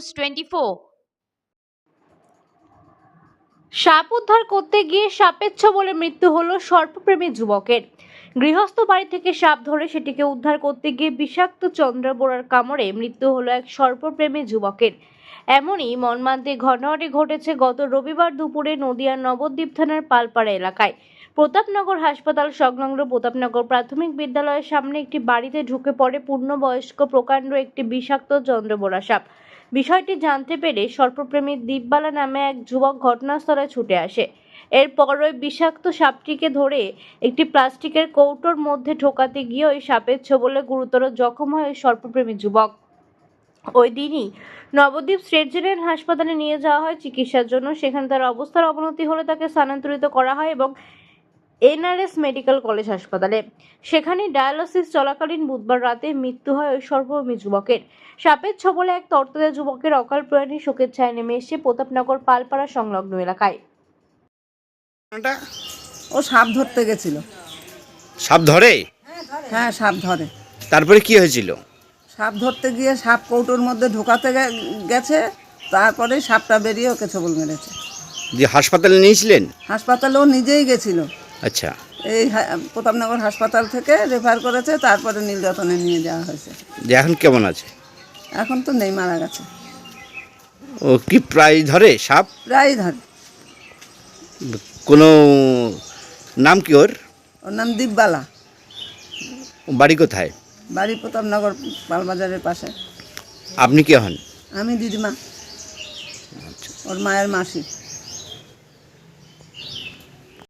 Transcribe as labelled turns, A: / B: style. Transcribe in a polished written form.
A: News 24। সাপ উদ্ধার করতে গিয়ে সাপের ছোবলে মৃত্যু হলো সর্পপ্রেমী যুবকের। গৃহস্থ বাড়ি থেকে সাপ ধরে সেটিকে উদ্ধার করতে গিয়ে বিষাক্ত চন্দ্রবোড়ার কামড়ে মৃত্যু হলো এক সর্পপ্রেমী যুবকের। এমনই মর্মান্তিক ঘটনাটি ঘটেছে গত রবিবার দুপুরে নদিয়ার নবদ্বীপ থানার পালপাড়া এলাকায়। প্রতাপনগর হাসপাতাল সংলগ্ন প্রতাপনগর প্রাথমিক বিদ্যালয়ের সামনে একটি বাড়িতে ঢুকে পড়ে পূর্ণবয়স্ক প্রকাণ্ড একটি বিষাক্ত চন্দ্রবোড়া সাপ। বিষয়টি জানতে পেরে সর্পপ্রেমী দীপবালা নামে এক যুবক ঘটনাস্থলে ছুটে আসে। এরপর ওই বিষাক্ত সাপটিকে ধরে একটি প্লাস্টিকের কৌটোর মধ্যে ঢোকাতে গিয়ে ওই সাপের ছোবলে গুরুতর জখম হয় ওই সর্পপ্রেমী যুবক। ওই দিনই নবদ্বীপ স্টেট জেনারেল হাসপাতালে নিয়ে যাওয়া হয় চিকিৎসার জন্য। সেখানে তার অবস্থার অবনতি হলে তাকে স্থানান্তরিত করা হয় এবং এনআরএস মেডিকেল কলেজ হাসপাতালে। সেখানে ডায়ালিসিস চলাকালীন বুধবার রাতে মৃত্যু হয় ওই সর্বপ্রেমী যুবকের। সাপের ছোবলে এক তর্তদা যুবকের অকাল প্রয়াণে শোকের ছায়া নেমে এসে প্রতাপনগর পালপাড়া সংলগ্ন এলাকায়।
B: ও সাপ ধরতে গেছিল।
C: সাপ ধরে?
B: হ্যাঁ, সাপ ধরে।
C: তারপরে কি হয়েছিল?
B: সাপ ধরতে গিয়ে সাপ কৌটোর মধ্যে ঢোকাতে গেছে, তারপরে সাপটা বেরিয়ে ওকে ছোবল মেরেছে।
C: যে হাসপাতালে নিয়েছিলেন?
B: হাসপাতালে ও নিজেই গেছিল।
C: আচ্ছা,
B: এই প্রতাপনগর হাসপাতাল থেকে রেফার করেছে, তারপরে নীলরতনে নিয়ে যাওয়া হয়েছে।
C: যে এখন কেমন আছে?
B: এখন তো নেই, মারা গেছে।
C: ও কি প্রায় ধরে সাপ?
B: প্রায় ধরে।
C: কোনো নাম কি ওর?
B: ওর নাম দীপবালা।
C: বাড়ি কোথায়?
B: বাড়ি প্রতাপনগর পালবাজারের পাশে।
C: আপনি কে হন?
B: আমি দিদিমা, ওর মায়ের মাসি।